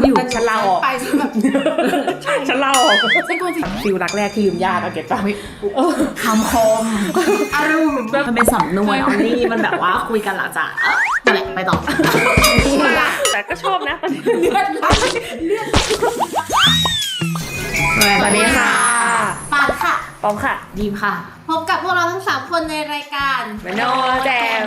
อยู่ฉันลาออกไปฉันแบบฉันลาออกฉันกลัวจิฟิลรักแรกที่ลืมญาติเอาเก็บป่ะคำคมอารมณ์มันเป็นสำนวนออลลี่มันแบบว่าคุยกันหลังจากนั่นแหละไปต่อแต่ก็ชอบนะเลือดไหลสวัสดีค่ะปาดค่ะปอมค่ะดีมค่ะพบกับพวกเราทั้ง3คนในรายการมโนแจม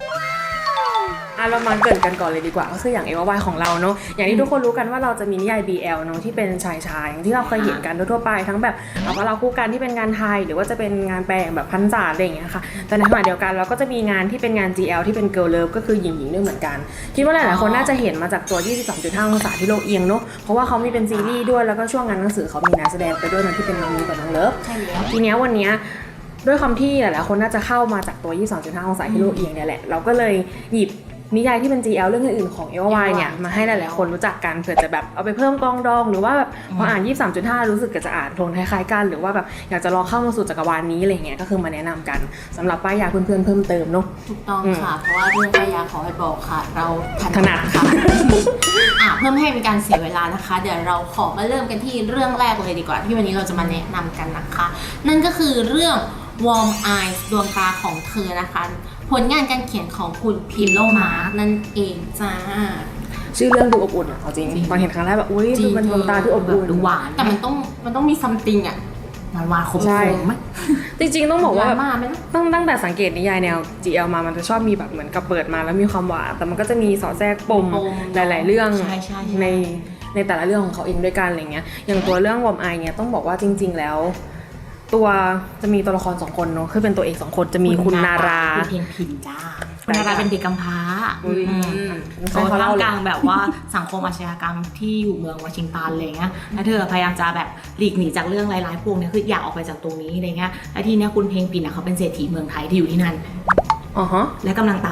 เรามาเกริ่นกันก่อนเลยดีกว่าก็คืออย่าง AOY ของเราเนาะอย่างที่ทุกคนรู้กันว่าเราจะมีนิยาย BL เนาะที่เป็นชายอย่างที่เราเคยเห็นกันทั่วไปทั้งแบบว่าเราคู่กันที่เป็นงานไทยหรือว่าจะเป็นงานแปลงแบบพันศาอะไรอย่างเงี้ยค่ะแต่ในขณะเดียวกันเราก็จะมีงานที่เป็นงาน GL ที่เป็น Girl Love ก็คือหญิงด้วยเหมือนกันคิดว่าหลายๆคนน่าจะเห็นมาจากตัว 23.5 องศาที่โลกเอียงเนาะเพราะว่าเขามีเป็นซีรีส์ด้วยแล้วก็ช่วงงานหนังสือเขามีนักแสดงไปด้วยนะที่เป็นน้องมิ้นกับน้องเลิฟทีเนี้ยวันเนี้ยด้วยความที่หลายๆคนน่าจะเข้ามาจากตัว 22.5 องศาที่โลกเอียงเนี่ยแหละเราก็เลยหยิบนิยายที่เป็น GL เรื่องอื่นๆของ AOY เนี่ยมาให้หลายๆคนรู้จักกันเผื่อจะแบบเอาไปเพิ่มกองดองหรือว่าแบบพออ่าน 23.5 รู้สึกจะอ่านโทนคล้ายๆกันหรือว่าแบบอยากจะลองเข้ามาสู่จักรวาลนี้อะไรเงี้ยก็คือมาแนะนำกันสำหรับป้ายยาเพื่อนๆเพิ่มเติมเนาะถูกต้องค่ะเพราะว่าเรื่องป้ายยาขอให้บอกค่ะเราถนัดค่ะเพิ่มให้เป็นการเสียเวลานะคะเดี๋ยวเราขอมาเริ่มกันที่เรื่องแรกเลยดีกว่าที่วันนี้เราจะมาแนะนำกันนะคะนั่นก็คือเรื่อง Warm Eyes ดวงตาของเธอนะคะผลงานการเขียนของคุณพิมโลมาร์นั่นเองจ้าชื่อเรื่องดูอบอุ่นอ่ะเอาจริงตอนเห็นครั้งแรกแบบอุ้ยดูเป็นดวงตาที่อบอุ่นดูหวานแต่มันต้องมีซัมติงอ่ะหวานคมไหมจริงๆต้องบอกว่าตั้งแต่สังเกตนิยายแนว GL มามันจะชอบมีแบบเหมือนกับเปิดมาแล้วมีความหวานแต่มันก็จะมีสอดแทรกปมหลายๆเรื่องในแต่ละเรื่องของเขาเองด้วยกันอะไรเงี้ยอย่างตัวเรื่องวอมไอเนี่ยต้องบอกว่าจริงๆแล้วตัวจะมีตัวละคร2คนเนาะคือเป็นตัวเอก2คนจะมีคุณนาราคุณเพียงพินจ้าคุณนาราเป็นเด็กกำพร้าเขาท่ามกลางแบบว่าสังคมอาชญากรรมที่อยู่เมืองวอชิงตันอะไรเงี้ยแล้วเธอพยายามจะแบบหลีกหนีจากเรื่องร้ายๆพวกนี้คืออยากออกไปจากตรงนี้อะไรเงี้ยแล้วทีเนี้ยคุณเพียงพินเขาเป็นเศรษฐีเมืองไทยที่อยู่ที่นั่นและกำลังตาม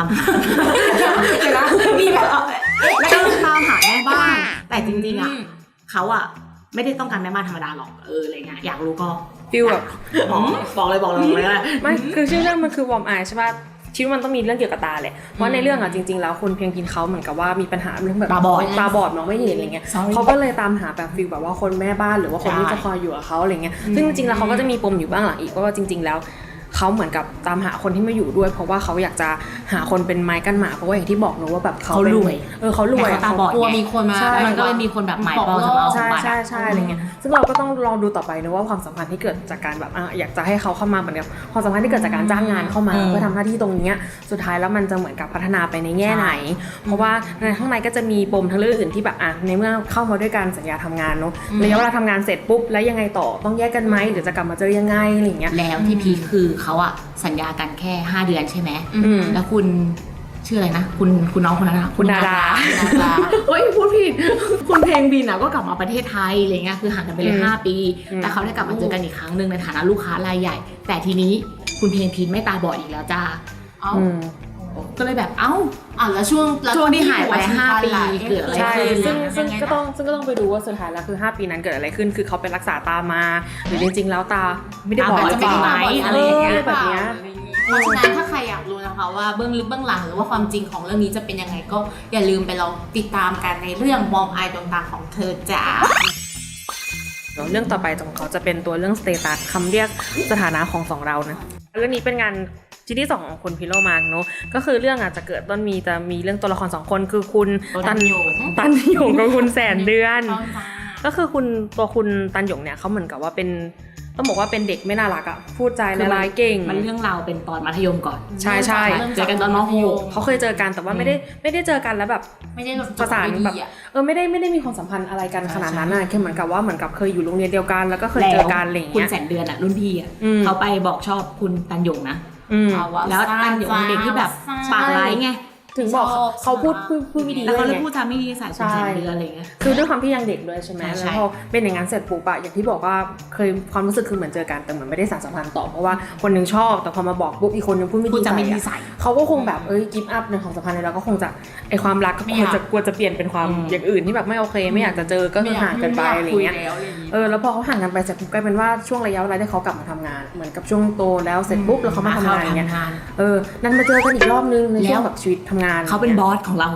มีแบบและกำลังตามหาแม่บ้านแต่จริงๆอ่ะเขาอ่ะไม่ได้ต้องการแม่บ้านธรรมดาหรอกอะไรเงี้ยอยากรู้ก็ฟิลแบบบอกเลยไม่คือชื่อเรื่องมันคือวอร์มไอใช่ป่ะคิดว่ามันต้องมีเรื่องเกี่ยวกับตาแหละเพราะในเรื่องอ่ะจริงๆแล้วคุณเพียงพินเขาเหมือนกับว่ามีปัญหาเรื่องแบบตาบอดมองไม่เห็นอะไรเงี้ยเขาก็เลยตามหาแบบฟิลแบบว่าคนแม่บ้านหรือว่าคนที่จะคอยอยู่กับเขาอะไรเงี้ยซึ่งจริงๆแล้วเขาก็จะมีปมอยู่บ้างหลังอีกว่าจริงๆแล้วเขาเหมือนกับตามหาคนที่มาอยู่ด้วยเพราะว่าเขาอยากจะหาคนเป็นไม้กั้นหมาเพราะว่าอย่างที่บอกเนอะว่าแบบเขารวยเขารวยเขาตาบอดกลัวมีคนมามันก็เลยมีคนแบบหมายปองสำหรับใช่อะไรเงี้ยซึ่งเราก็ต้องลองดูต่อไปนะว่าความสัมพันธ์ที่เกิดจากการแบบอยากจะให้เขาเข้ามาเหมือนกับความสัมพันธ์ที่เกิดจากการจ้างงานเข้ามาเพื่อทำหน้าที่ตรงนี้สุดท้ายแล้วมันจะเหมือนกับพัฒนาไปในแง่ไหนเพราะว่าในข้างในก็จะมีปมทั้งเรื่องอื่นที่แบบในเมื่อเข้ามาด้วยการสัญญาทำงานเนาะระยะเวลาทำงานเสร็จปุ๊บแล้วยังไงต่อต้องแยกกันไหมหรือจะกลับมาเจอยังไงอะไรเงี้ยแล้วที่พีคือเขาอะสัญญากันแค่5 เดือนใช่ไหมแล้วคุณชื่ออะไรนะคุณน้องคนนั้นนะคุณนาราเฮ้ยพูดผิดคุณเพลงบินอะก็กลับมาประเทศไทยอะไรเงี้ยคือห่างกันไปเลย5 ปีแต่เขาได้กลับมาเจอกันอีกครั้งนึงในฐานะลูกค้ารายใหญ่แต่ทีนี้คุณเพลงพินไม่ตาบอดอีกแล้วจ้าก็เลยแบบแล้วช่วงที่หายไป5 ปีเกิดอะไรขึ้นซึ่งก็ต้องไปดูว่าสุดท้ายแล้วคือ5 ปีนั้นเกิดอะไรขึ้นคือเขาไปรักษาตามาหรือจริงๆแล้วตาไม่ได้บอดจะเป็นไหมอะไรอย่างเงี้ยแบบเนี้ยเพราะฉะนั้นถ้าใครอยากรู้นะคะว่าเบื้องลึกเบื้องหลังหรือว่าความจริงของเรื่องนี้จะเป็นยังไงก็อย่าลืมไปลองติดตามกันในเรื่องมอมไอดวงตาของเธอจ้าเรื่องต่อไปของเขาจะเป็นตัวเรื่องสเตตัสคำเรียกสถานะของ2เรานะเรื่องนี้เป็นงานชิ้นที่2ของคุณพิโลมาร์กเนาะก็คือเรื่องจะเกิดจะมีเรื่องตัวละคร2คนคือคุณตันหยงกับคุณแสนเดือนก็คือคุณตันหยงเนี่ยเขาเหมือนกับว่าเป็นต้องบอกว่าเป็นเด็กไม่น่ารักอะพูดใจละลายเก่งมันเรื่องราวเป็นตอนมัธยมก่อนใช่เจอกันตอนม.6 เขาเคยเจอกันแต่ว่าไม่ได้เจอกันแล้วแบบไม่ได้ประสานแบบไม่ได้มีความสัมพันธ์อะไรกันขนาดนั้นน่ะแค่เหมือนกับว่าเหมือนกับเคยอยู่โรงเรียนเดียวกันแล้วก็เคยเจอกันอะไรอย่างเงี้ยคุณแสนเดือนอะรุ่นพี่อะเขาไปบอกชอบคุณตันหยงนะแล้วตันหยงเด็กที่แบบปากร้ายไงถึงบอกเขาพูดไม่ดีแล้วเขาเลยพูดจาไม่ดีใส่คุณแสนเดือนอะไรเงี้ยคือด้วยความที่ยังเด็กด้วยใช่ไหมแล้วพอเป็นอย่างนั้นเสร็จปุ๊บอะอย่างที่บอกว่าเคยความรู้สึกคือเหมือนเจอกันแต่เหมือนไม่ได้สานสัมพันธ์ต่อเพราะว่าคนนึงชอบแต่พอมาบอกปุ๊บอีกคนนึงพูดไม่ดีใส่เขาก็คงแบบกิฟต์อัพในของสัมพันธ์แล้วก็คงจะไอความรักก็กลัวจะเปลี่ยนเป็นความอย่างอื่นที่แบบไม่โอเคไม่อยากจะเจอก็คือห่างกันไปอะไรเงี้ยแล้วพอเขาห่างกันไปเสร็จปุ๊บกลายเป็นว่าช่วงระยะเวลาที่เขากลับมาทำงานเหมือนกับช่วงโตแล้วเสร็จปุ๊บแล้วเขามาทำงานเงี้ยนั่นมาเจอกันอีกรอบนึงในช่วงแบบชีวิตทำงานเขาเป็นบอสของเราค่ะ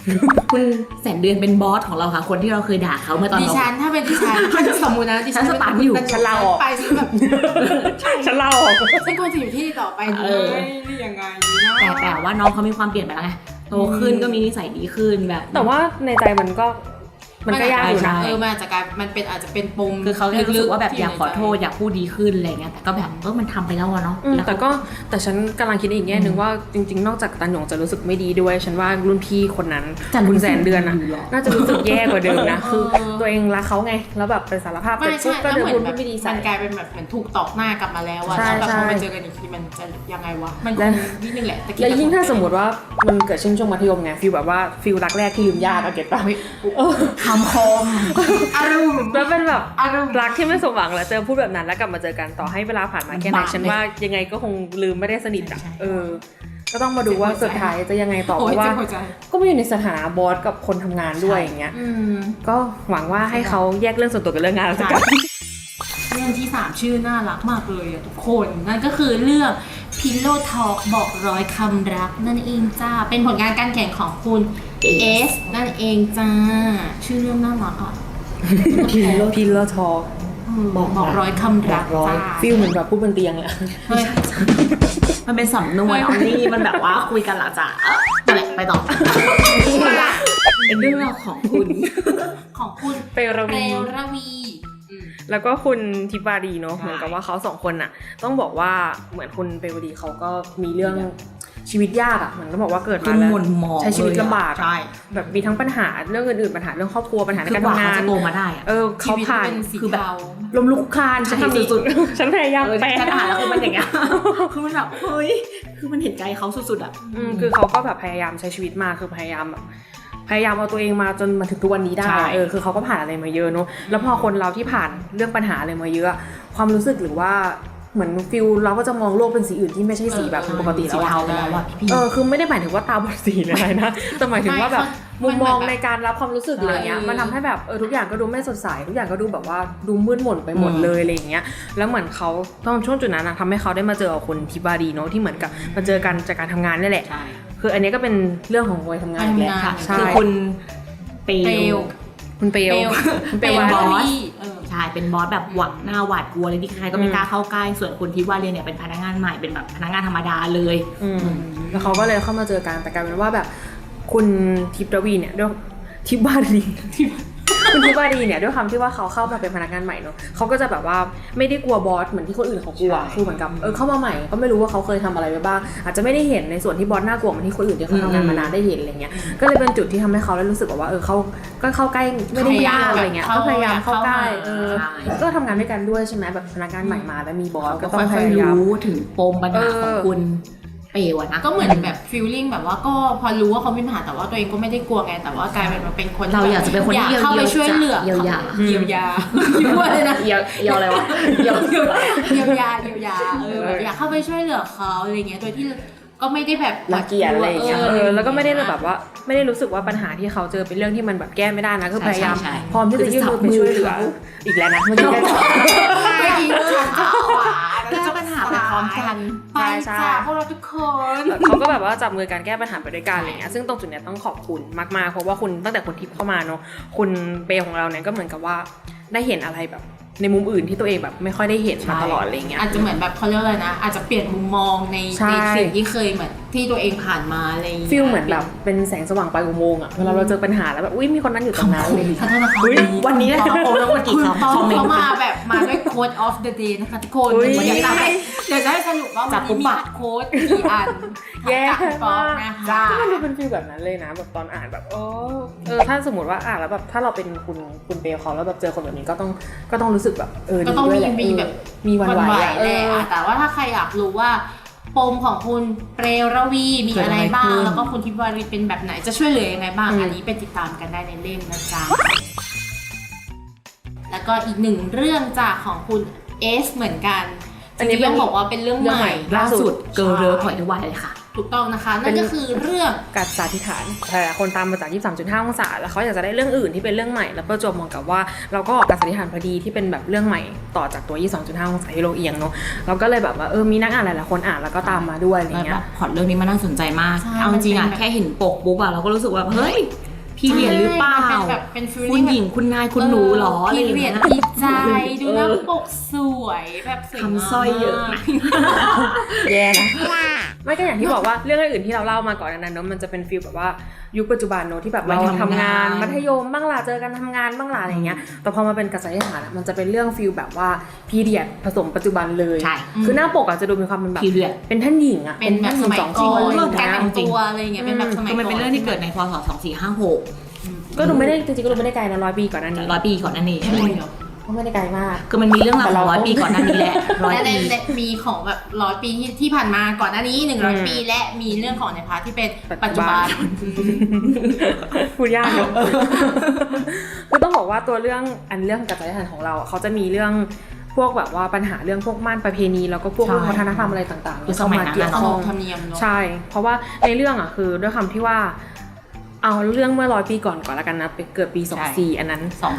คุณแสนเดือนเป็นบอสของเราค่ะคนที่เราเคยด่าเขาเมื่อตอนดิเราฉันถ้าเป็นดิฉันสมมุตินะดิฉันฉันสตันอยู่ฉันลาออกไปฉันแบบฉันเล่าออกฉันควรจะอยู่ที่ต่อไปดีไหมนี่ยังไงนะแต่ว่าน้องเขามีความเปลี่ยนไปแล้วไงโตขึ้นก็มีนิสัยดีขึ้นแบบแต่ว่าในใจมันก็ยากอยู่นะมันอาจจะกลายมันเป็นอาจจะเป็นปมคือเขาแค่รู้สึกว่าแบบที่อยากขอโทษอยากพูดดีขึ้นอะไรเงี้ยแต่ก็แบบมันทำไปแล้วอะเนาะแต่แต่ฉันกำลังคิดอีกแง่นึงว่าจริงๆ นอกจากตันหยงจะรู้สึกไม่ดีด้วย ฉันว่ารุ่นพี่คนนั้นคุณแสนเดือนอะน่าจะรู้สึกแย่กว่าเดิมนะคือตัวเองรักเขาไงแล้วแบบไปสารภาพไม่แต่ปุ๊ใช่บก็แล้วเดินเหมืพูอดนแบบไม่ดีใส่มันกลายเป็นแบบเหมือนถูกตอกหน้ากลับมาแล้วอะใช่แล้วแบบใช่พอไปเจอกันอีกทีมันจะยังไงวะมันคงนิดนึงแหละแล้วยิ่งถ้าสมมติว่ามันเกิดช่วงมัธยมไงฟีลแบบว่าฟีลรักแรกที่ลืมญาติเอาเก็ตป่ะคำคมอารมณ์แล้วเป็นแบบอารมณ์รักที่ไม่สมหวังแล้วเจอพูดแบบนั้นแล้วกลับมาเจอกันต่อให้เวลาผ่านมาแค่ไหนบาปฉันว่ายังไงก็คงลืมไม่ได้สนิทอ่ะใช่ก็ต้องมาดูว่าสุดท้ายจะยังไงต่อเพโอ้ยราะว่าเจ็บหัวใจก็ไม่อยู่ในสถานะบอสกับคนทำงานด้วยอย่างเงี้ย ก็หวังว่าให้เขาแยกเรื่องส่วนตัวกับเรื่องงานแล้วกันเรื่องที่ 3 ชื่อน่ารักมากเลยอะทุกคนนั่นก็คือเรื่อง Pillow Talk บอกร้อยคำรักนั่นเองจ้าเป็นผลงานการแข่งของคุณเอสนั่นเองจ้าชื่อเรื่องน่ารักอ่ะพิลเลอร์ทอบอกร้อยคำรักจ้าฟิลเหมือนแบบพูดบนเตียงเลยเฮ้ยมันเป็นสำนวนออนนี่มันแบบว่าคุยกันหลังจากนั่นแหละไปต่อเป็นเรื่องราวของคุณของคุณเปรเปรวีรวีแล้วก็คุณทิปารีเนาะใช่เหมือนกับว่าเขาสองคนน่ะต้องบอกว่าเหมือนคุณเปรวดีเขาก็มีเรื่องชีวิตยากอ่ะเหมือนก็บอกว่าเกิดคืมาอแล้วหม่นหมองใช้ชีวิตลำบากใช่แบบมีทั้งปัญหาเรื่องอื่นๆปัญหาเรื่องครอบครัวปัญหาในคือการกว่าทำเขางานจะโตมาได้อะเขาชีวิตผ่านเป็นสีคือแบบเทาลมลุกคลานฉันทำสุดๆฉันพยายามแปลฉันอ่านแล้วคือมันอย่างเงี้ย คือมันแบบเฮ้ย คือมันเห็นใจเขาสุดๆอ่ะคือเขาก็แบบพยายามใช้ชีวิตมาคือพยายามแบบพยายามเอาตัวเองมาจนมาถึงทุกวันนี้ได้ใช่คือเขาก็ผ่านอะไรมาเยอะเนาะแล้วพอคนเราที่ผ่านเรื่องปัญหาอะไรมาเยอะความรู้สึกหรือว่าเหมือนฟิลเราก็จะมองโลกเป็นสีอื่นที่ไม่ใช่สีแบบปกติสีแล้วเทาอะไปแล้วว่ะพี่คือไม่ได้หมายถึงว่าตาบอดสีอะไรนะ แต่หมายถึงว่าแบบไม่มุมมองมันแบบในการรับความรู้สึกอะไรเงี้ย มันทำให้แบบทุกอย่างก็ดูไม่สดใส ทุกอย่างก็ดูแบบว่าดูมืดหม่นไปหมดเลยอะไรอย่างเงี้ย แล้วเหมือนเขาต้องช่วงจุดนั้นนะทำให้เขาได้มาเจอกับคนทิบารีเนาะที่เหมือนกับมาเจอกันจากการทำงานนี่แหละใช่คืออันนี้ก็เป็นเรื่องของวัยทำงานอีกแหละทำงานใช่คือคุณเปเปลลวคุณเปลเปลวบอสเออใช่ เป็นบอสแบบหวังหน้าหวาดกลัวเลยที่ใครก็ไม่กล้าเข้าใกล้ ส่วนคุณที่ว่าเรียนเนี่ยเป็นพนักงานใหม่ เป็นแบบพนักงานธรรมดาเลยแล้วเขาก็เลยเข้ามาเจอกันแต่กลายเป็นว่าแบบคุณทิพย์ระวีเนี่ยด้วยทิพย์บารีคุณทิพย์บารีเนี่ยด้วยคำที่ว่าเขาเข้ามาเป็นพนักงานใหม่เนอะเขาก็จะแบบว่าไม่ได้กลัวบอสเหมือนที่คนอื่นเขากลัวใช่คือเหมือนกับเข้ามาใหม่ก็ไม่รู้ว่าเขาเคยทำอะไรไปบ้างอาจจะไม่ได้เห็นในส่วนที่บอสน่ากลัวเหมือนที่คนอื่นที่เขาทำงานมานานได้เห็นอะไรเงี้ยก็เลยเป็นจุดที่ทำให้เขาได้รู้สึกว่าเขาก็เข้าใกล้ไม่ได้ยากอะไรเงี้ยก็พยายามเข้าใกล้ก็ทำงานด้วยกันด้วยใช่ไหมแบบพนักงานใหม่มาแล้วมีบอสก็ต้องพค่อยยายามๆรู้ถึงปมปัญหาของคุณเปลวอะนะก็เหมือนแบบฟีลลิ่งแบบว่าก็พอรู้ว่าเขามีปัญหาแต่ว่าตัวเองก็ไม่ได้กลัวไงแต่ว่ากลายเป็นมาเป็นคนเราอยากจะเป็นคนที่อยากเข้าไปช่วยเหลือเยียวยาเยียวยายุ่งเลยนะเยียวอะไรวะเยียวเยียวยาแบบอยากเข้าไปช่วยเหลือเขาอะไรเงี้ยโดยที่ก็ไม่ได้แบบรังเกียจอะไรอย่างเงี้ยแล้วก็ไม่ได้แบบว่าไม่ได้รู้สึกว่าปัญหาที่เขาเจอเป็นเรื่องที่มันแบบแก้ไม่ได้นะคือพยายามพร้อมที่จะยื่นมือไปช่วยเหลืออีกแล้วนะเมื่อกี้ได้เมื่อกี้ฉันจะแก้ปัญหาไปพร้อมกันไปจ้าพวกเราทุกคนเขาก็แบบว่าจับมือกันแก้ปัญหาไปด้วยกันอะไรเงี้ยซึ่งตรงจุดเนี้ยต้องขอบคุณมากๆเพราะว่าคุณตั้งแต่คุณทิพย์เข้ามาเนาะคุณเปย์ของเราเนี่ยก็เหมือนกับว่าได้เห็นอะไรแบบในมุมอื่นที่ตัวเองแบบไม่ค่อยได้เห็นมาตลอดอะไรเงี้ยอาจจะเหมือนแบบเขาเรียกอะไรนะอาจจะเปลี่ยนมุมมองในสิ่งที่เคยเหมือนที่ตัวเองผ่านมาอะไรอย่างเงี้ยฟีลเหมือนแบบเป็นแสงสว่างปลายอุโมงค์อะเวลาเราเจอปัญหาแล้วแบบอุ้ยมีคนนั้นอยู่ตรงนั้นอะไรอย่างเงี้ยขอโทษนะคะวันนี้นะคะโอ้แล้ววันกี่คุณคำต้องคอมเมนเขาต์มาแบบมาด้วยโค้ด of the day นะคะทุกคนอุ๊ยเดี๋ยวจะให้สรุปว่าวันนี้มีโค้ดกี่อันแย่กับฟองมากนะคะก็มันดูเป็นฟีลแบบนั้นเลยนะแบบตอนอ่านแบบถ้าสมมติว่าอ่านแล้วแบบถ้าเราเป็นคุณเปย์เขาแล้วแบบเจอคนแบบนี้ก็ต้องรู้สึกแบบก็ต้องดีด้วยแหละมีแบบมีวันไหวแหละแต่ว่าถ้าใครอยากรู้ว่าปมของคุณเปรรวีมีอะไรบ้างแล้วก็คุณทิพย์วารีเป็นแบบไหนจะช่วยเหลือยังไงบ้างอันนี้ไปติดตามกันได้ในเล่มนะจ๊ะแล้วก็อีกหนึ่งเรื่องจากของคุณเอสเหมือนกันอันนี้ต้องบอกว่าเป็นเรื่องใหม่ล่าสุดเกิร์ลเลิฟปล่อยทุกวันเลยค่ะถูกต้องนะคะนั่นก็คือเรื่องกัดสาธิฐานหลายๆคนตามมาจาก 23.5 องศาแล้วเขาอยากจะได้เรื่องอื่นที่เป็นเรื่องใหม่แล้วประจวบเหมาะกับว่าเราก็ออกกัดสาธิฐานพอดีที่เป็นแบบเรื่องใหม่ต่อจากตัว 22.5 องศาที่เราเอียงเนาะเราก็เลยแบบว่ามีนักอ่านหลายๆคนอ่านแล้วก็ตามมาด้วยอะไรแล้วเงี้แบยบพล็อตเรื่องนี้มันน่าสนใจมากใช่เอาจริงๆมันอะเป็นแบบแค่เห็นปกปุ๊บอะเราก็รู้สึกว่าเฮ้ยพี่เรียนหรือเปล่ามันเป็นแบบเป็นฟีลคุณหญิงคุณนายคุณหนูหรออะไรพี่อย่างเรียเงี้นยดีใจดูหน้าปกสวยแบบสวยคำสร้อยเยอะนะแย่นะไม่ก็อย่างที่บอกว่าเรื่องอื่นๆที่เราเล่ามาก่อนนั้นเนาะมันจะเป็นฟีลแบบว่ายุคปัจจุบันเนาะที่แบบเราทำงานมัธยมบ้างล่ะเจอกันทำงานบ้างล่ะอะไรเงี้ยแต่พอมาเป็นกัดสาธิฐานมันจะเป็นเรื่องฟีลแบบว่าพีเรียดผสมปัจจุบันเลยใช่คือหน้าปกจะดูมีความเป็นแบบ period เป็นท่านหญิงอะเป็นแบบสมัยสองก่ชีอวิตนอะไรอย่างการเงี้ยแต่งตัวอะไรอย่างเงี้ยเป็นแบบสมัยคือก่อนมันเป็นเรื่องที่เกิดในพศ2456 ก็ดูไม่ได้จริงๆก็ดูไม่ได้ไกลนะ100 ปีก่อนหนั้นนี้ 100 ปีก่อนนั่นเองใช่ไหมเดี๋ยวก็ไม่ได้ไกลมากคือมันมีเรื่องราวของ100 ปีก่อนหน้านี้แหละ100 และปีในมีของแบบ100 ปีที่ผ่านมาก่อนหน้านี้100 ปีและมีเรื่องของในพาร์ทที่เป็นปัจจุบันพูดยากเนอะ คือต้องบอกว่าตัวเรื่องกัจจายฐานของเราเขาจะมีเรื่องพวกแบบว่าปัญหาเรื่องพวกม่านประเพณีแล้วก็พวกใช่วัฒนธรรมอะไรต่างๆคือสมัยนั้นเกี่ยวขข้นองบธรรมเนียมเนาะใช่ เพราะว่าในเรื่องคือด้วยคำที่ว่าเอาเรื่องเมื่อ100 ปีก่อนละกันนะเกิดปี 24อันนั้น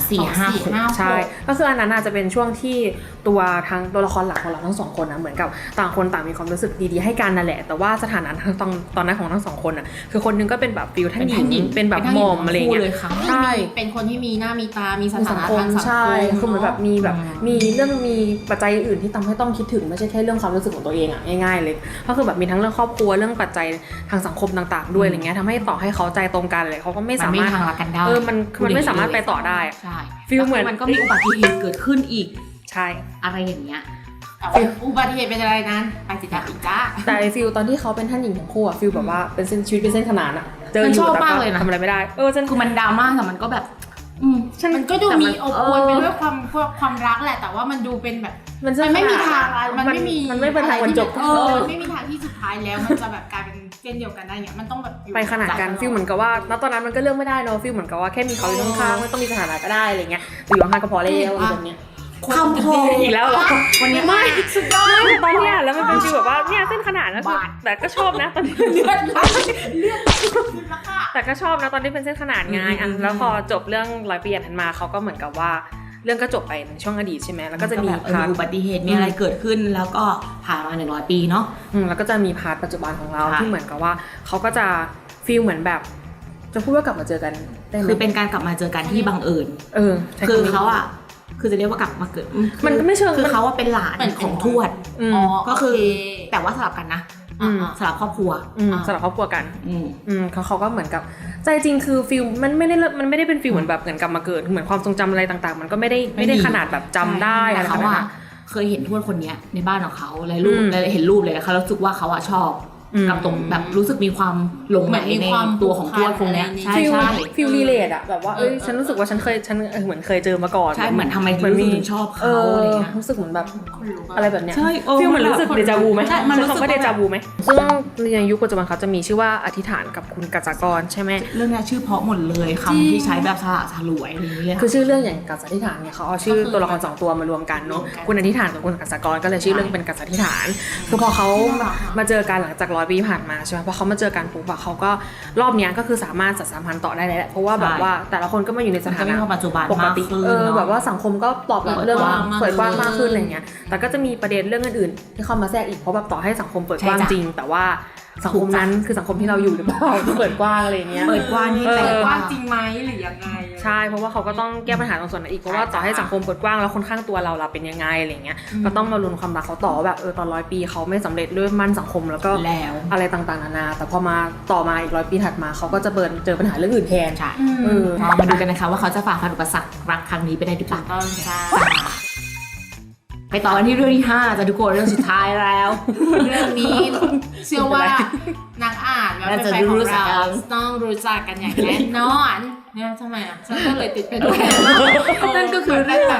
2456 ใช่ ก็คืออันนั้นอาจจะเป็นช่วงที่ตัวละครหลักของเราทั้งสองคนนะเหมือนกับต่างคนต่างมีความรู้สึกดีๆให้กันนั่นแหละแต่ว่าสถานะตอนนั้นของทั้งสองคนน่ะคือคนนึงก็เป็นแบบฟิลท่านหญิงเป็นแบบหม่อมอะไรเงี้ย ใช่เป็นคนที่มีหน้ามีตามีสถานะคทางสังคมใช่คือเหมือนแบบมีแบบอืมมีเรื่องมีปัจจัยอื่นที่ทำให้ต้องคิดถึงไม่ใช่แค่เรื่องความรู้สึกของตัวเองอ่ะง่ายๆเลยก็คือแบบมีทั้งเรื่องครอบครัวเรื่องปัจจัยทางสังคมต่างๆด้วยอะไรเงี้ยทำให้ต่อให้เขาใจตรงกันเลยเขาก็ไม่มันสาไม่มารถทางรักกันได้มันไม่สามารถไปต่อได้อะใช่ฟีลเหมือนมันก็มีอุบัติเหตุเกิดขึ้นอีกใช่อะไรอย่างเงี้ยแต่ว่าอุบัติเหตุเป็นอะไรนั้นไปติดตามอีกจ้าแต่ไอ้ฟิลตอนที่เขาเป็นท่านหญิงทั้งคู่อะฟิลแบบว่าเป็นเส้นชีวิตเป็นเส้นขนานอะเจอมันอชยู่อบแต่มากก็เลยนะทำอะไรไม่ได้ฉันคือมันดราม่าแต่มันก็แบบมันก็ดูแต่มันมีอบอวลไปด้วยความรักแหละ แต่ว่ามันดูเป็นแบบมันเส้นมันไม่มีขนทางอะมันไม่มีมันไม่เป็นทางบรรจบมันไม่มีทางที่สุดท้ายแล้วมันจะแบบกลายเป็นเส้นเดียวกันได้เนี่ยมันต้องแบบอยู่ไปขนาดกันฟิลเหมือนกับว่าณตอนนั้นมันก็เลือกไม่ได้เนอะฟิลเหมือนกับว่าแค่มีเขาอยู่ข้างๆไม่ต้องมีสถานะก็ได้อะไรเงี้ยอยู่ข้างๆก็พอแล้วอะไรแบบเนี้ยคำโพอีกแล้วเหรอวันนี้ไม่สุดยอดตอนเนี้ยแล้วมันเป็นฟีลแบบว่าเนี่ยเส้นขนาดแล้วคือบาดแต่ก็ชอบนะตอนนี้เลือดไหลขึ้นแล้วค่ะแต่ก็ชอบนะตอนที่เป็นเส้นขนาดไงแล้วพอจบเรื่อง100 ปีถัดมาเขาก็เหมือนกับว่าเรื่องก็จบไปในช่วงอดีตใช่ไหมแล้วก็จะมีแบบพาร์ทอุบัติเหตุมีอะไรเกิดขึ้นแล้วก็ผ่านมา100 ปีเนาะแล้วก็จะมีพาร์ทปัจจุบันของเราค่ะที่เหมือนกับว่าเขาก็จะฟีลเหมือนแบบจะพูดว่ากลับมาเจอกันได้ไหมคือเป็นการกลับมาเจอกันที่บังเอิญใช้คือำนี้เขาอ่ะคือจะเรียกว่ากลับมาเกิดมันก็ไม่เชิงคือเขาว่าเป็นหลานเหมือนของทวดอืมก็คือโเแต่ว่าสลับกันนะอืมสลับครอบครัวสำหรับครอบครัวกันอืมเขาก็เหมือนกับใจจริงคือฟิลมันไม่ได้เป็นฟิลเหมือนแบบเหมือนกลับมาเกิดเหมือนความทรงจำอะไรต่างๆ มันก็ไม่ได้ขนาดแบบจำได้แต่อะไรขเขานาดอะนั้นเคยเห็นทวดคนเนี้ยในบ้านของเขาเลยรูปอืมเลยเห็นรูปเลยเขารู้สึกว่าเขาอะชอบอืมกับตรงแบบรู้สึกมีความหลงไหลเหมือนมีในความตัวของทวดคนเนี้ยผูกพันใช่ฟิลใช่ฟิลรีเลทอะแบบว่าฉันรู้สึกว่าฉันเหมือนเคยเจอมาก่อนใช่เหมือนทำไมเหมือนรู้สึมีกถึงชอบเขาอะไรเงี้ยรู้สึกเหมือนแบบคนลุกอะไรแบบเนี้ยใช่ฟิลเหมือนรู้สึกเดจาวูไหมใช่มันรู้สึกใช้คำว่าเดจาวูไหมซึ่งในยุคปัจจุบันเขาจะมีชื่อว่าอธิษฐานกับคุณกัจจากรใช่ไหมเรื่องเนี้ยชื่อเพราะหมดเลยคำที่ใช้แบบสละสลวยอะไรอย่างเงี้ยคือชื่อเรื่องอย่างกัจจาธิฐานเนี่ยเขาเอาชื่อตัวละคร2ตัวมารวมกันเนาะคุณอธิษฐานกับคุณกัจจากรก็เลยชื่อเรื่องเป็นกัจจาธิฐาน คือพอเขามาเจอกันหลังจาก100 ปีผ่านมาใช่ไหมพอเขามาเจอกันปุ๊บอะเขาก็รอบเนี้ยก็คือสามารถสัมพันธ์ต่อได้แล้วแหละเพราะว่าแบบว่าแต่ละคนก็มาอยู่ในสมันถาก็มีนะความปัจจุบันปกมากติขึ้นเนอะแบบว่าสังคมก็ตอบรับเรื่องเปิดกว้างมากเปิดกว้างมากขึ้นอะไรเงี้ยแต่ก็จะมีประเด็นเรื่องอื่นๆที่เข้ามาแทรกอีกเพราะแบบต่อให้สังคมเปิดกว้างใช่จ้ะจริง แต่ว่าสังคมนั้นคือสังคมที่เราอยู่หรือเปล่าที่เปิดกว้างอะไรเงี้ยเปิดกว้างที่เออแต่ว่าว่าจริงไหมหรือยังไงใช่เพราะว่าเขาก็ต้องแก้ปัญหาตรงส่วนนั้นอีกเพราะว่าต่อให้สังคมเปิดกว้างแล้วคนข้างตัวเราเป็นยังไงอะไรเงี้ยก็ต้องมาลุ้นความรักเขาต่อว่าแบบตอน100 ปีเขาไม่สำเร็จด้วยมั่นสังคมแล้วก็แล้วอะไรต่างๆนานาแต่พอมาต่อมาอีก100 ปีถัดมาเขาก็จะเจอปัญหาเรื่องอื่นแทนใช่เออมาดูกันนะคะว่าเขาจะฝ่าฟันอุปสรรครักครั้งนี้ไปได้หรือเปล่าต้องจ้าไปต่อกันที่เรื่องที่5จ้ะทุกคนเรื่องสุดท้ายแล้วเรื่องนี้เชื่อว่านักอ่านและแฟนๆของเราต้องรู้จักกันอย่างแน่นอนเนี่ยทำไมอ่ะฉันก็เลยติดไปด้วยนั่นก็คือเรื่อง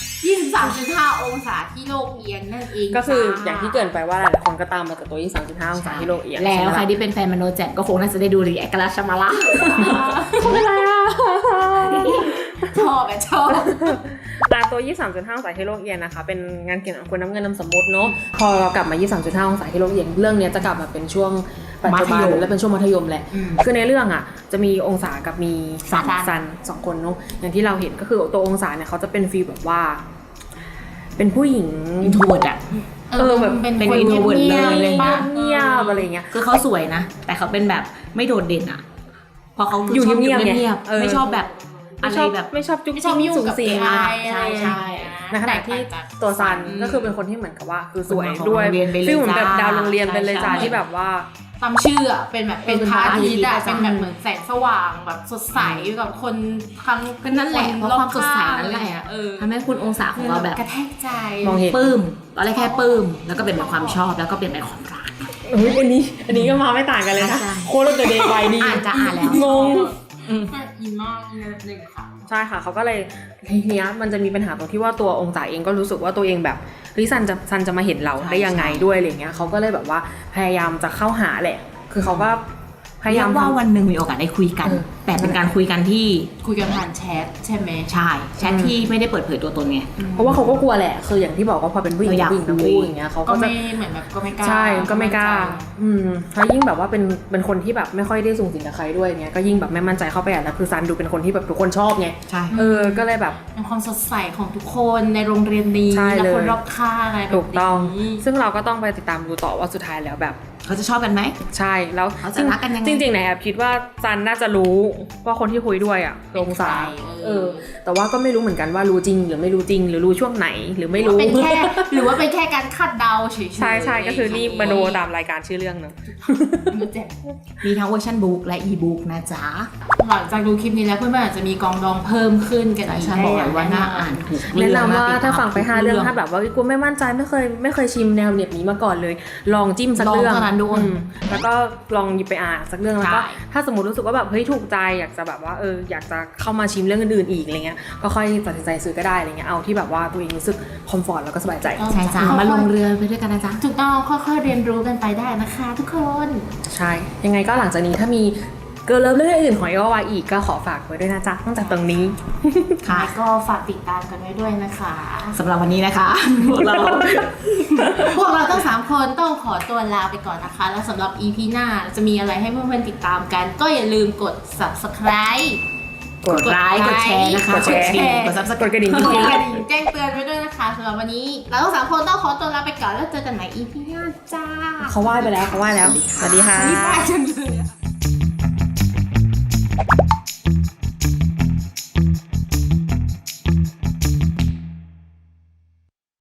23.5 องศาที่โลกเอียงนั่นเองก็คืออย่างที่เกรินไปว่าหลายๆคนก็ตามมาจากตัว 23.5 องศาที่โลกเอียงแล้วใครช่ไหมที่เป็นแฟนมโนแจ่มก็คงน่าจะได้ดูรีแอคกันแล้วใช่ไหมล่ะชอบแบบชอบตัว 23.5 องศาที่โลกเอียงนะคะเป็นงานเขียนของคุณน้ำเงินนามสมมุติเนาะพอเรากลับมา 23.5 องศาที่โลกเอียงเรื่องนี้จะกลับมาเป็นช่วงปัจจุบันมัธยมและเป็นช่วงมัธยมแหละอืมคือในเรื่องอ่ะจะมีองศากับมีซันสองคนเนาะอย่างที่เราเห็นก็คือตัวองศาเนี่ยเขาจะเป็นฟีลแบบว่า เป็นผู้หญิงอินโทรเวิร์ดอะแบบเป็นเป็นคน introvert เงียบเลยๆปะเงียบๆอะไรเงี้ยคือเขาสวยนะ แต่เขาเป็นแบบไม่โดดเด่นอะเพราะเขาอยู่ชอบเงียบๆไงเงียบเออๆไม่ชอบแบบอะไรแบบไม่ชอบจุ๊บไม่ชอบจิ๊บยุ่งสูงกับสิง AI ใช่ใช่ในขณะที่ตัวซันก็คือเป็นคนที่เหมือนกับว่า คือสวยเป็นของด้วยโรงเรียนไปเลยฟีลเหมือนแบบจ้าดาวโรงเรียนไปเลยจ้าใช่ที่แบบว่าตามชื่ออะเป็นแบบเป็นพระอาทิตย์อะเป็เป็นนแบพระอาทิตย์บเหมือนแสงสว่างแบบสดใสกับคนทั้งก็นั่นแหละเพราะความสดใสนั่นแหละเออทำให้คุณองศาของเราแบบกระแทกใจมองเห็นปลื้มตอนแรกแค่ปลื้มแล้วก็เปลี่ยนเป็นความชอบแล้วก็เปลี่ยนเป็นความรักเฮ้ยอันนี้ก็มาไม่ต่างกันเลยนะใช่โคตรเดย์ไวดีอ่านจะอ่านแล้วงงอินมากอินหนึ่งค่ะใช่ค่ะเขาก็เลยทีเนี้ยมันจะมีปัญหาตรงที่ว่าตัวองศาเองก็รู้สึกว่าตัวเองแบบเฮ้ยซันจะมาเห็นเราได้ยังไงด้วยอะไรเงี้ยเขาก็เลยแบบว่าพยายามจะเข้าหาแหละ คือเขาก็พยายามว่าวันหนึ่งมีโอกาสได้คุยกันเออแต่เป็นการคุยกันที่คุยกันผ่านแชทใช่ไหมใช่แชทที่ไม่ได้เปิดเผยตัวตนไงเพราะว่าเขาก็กลัวแหละ คืออย่างที่บอกว่าพอเป็นผู้หญิงเราอยากผู้หญิงทั้งคุยคู่อย่างเงี้ยเขาก็ก็จะไม่เหมือนแบบก็ไม่กล้าใช่ก็ไม่กล้าแล้วยิ่งแบบว่าเป็นคนที่แบบไม่ค่อยได้สูงสิงกับใครด้วยเงี้ยก็ยิ่งแบบไม่มั่นใจเข้าไปอ่ะแล้วคือซันดูเป็นคนที่แบบทุกคนชอบไงใช่ก็เลยแบบเป็นความสดใสของทุกคนในโรงเรียนนี้ใช่และเลยคนรอบข้างอะไรแบบนี้ถูกต้อง ซึ่งเราก็ต้องไปติดตามดูต่อว่าสุดท้ายแล้วแบบเขาจะชอบกันไหมใช่แล้วเขาจะรักกันยังไงจริงๆเนี่ยแอบคิดว่าซันน่าจะรู้ว่าคนที่คุยด้วยอ่ะคือองศาแต่ว่าก็ไม่รู้เหมือนกันว่ารู้จริงหรือไม่รู้จริงหรือรู้ช่วงไหนหรือไม่รู้หรือว่าเป็นแค่การคาดเดาเฉยๆใช่ก็คือรีบมาดูตามรายการชื่อเรื่องเนอะมันเจ็บมีทั้งเวอร์ชันบุ๊กและอีบุ๊กนะจ๊ะหลังจากดูคลิปนี้แล้วเพื่อนๆอาจจะมีกองดองเพิ่มขึ้นกันแต่อีกฉันบอกเลยว่าน่าอ่านถูกแนะนำว่าติดตมถ้าฟังไป5เรื่องทุกถ้าแบบว่ากูไม่มั่นใจไม่เคยชิมแนวเน็บนี้มาก่อนเลย ลองจิ้มสักเรื่องลองเท่านั้นด้วยแล้วก็ลองหยิบไปอ่านสักเรื่องแล้วก็ใช่ถ้าสมมติรู้สึกว่าแบบเฮ้ยถูกใจอยากจะแบบว่าอยากจะเข้ามาชิมเรื่องอื่นๆอีกอะไรเงี้ยก็ค่อยตัดสินใจซื้อก็ได้อะไรเงี้ยเอาที่แบบว่าตัวเองรู้สึกคอมฟอร์ตแล้วก็สบายใจใช่จ้ามาลงเรือไปด้วยกันนะจ๊ะถูกต้องค่อยๆเรียนรู้กันไปได้นะคะทุกคนใช่ยังไงก็หลังจากนี้ถ้ามีเกิร์ลเลิฟเรื่องอื่นของเอวาอีกก็ขอฝากไว้ด้วยนะจ๊ะตั้งแต่ตรงนี้ค่ะก็ฝากติดตามกันไว้ด้วยนะคะสำหรับวันนี้นะคะ พวกเราพวกเราทั้ง3คนต้องขอตัวลาไปก่อนนะคะ แล้วสำหรับ EP หน้าจะมีอะไรให้เพื่อนๆติดตามกัน ก็อย่าลืมกด subscribe กดไลค์กดแชร์นะคะกดแชร์กด Subscribe กดกระดิ่งกจดริงกระดิ่งแจ้งเตือนไว้ด้วยนะคะสำหรับวันนี้เราทั้ง3คนต้องขอตัวลาไปก่อนแล้วเจอกันใหม่ EP หน้าจ้าๆเขาไหว้ไปแล้วสวัสดีค่ะนี่ป้ายจังเลยอะ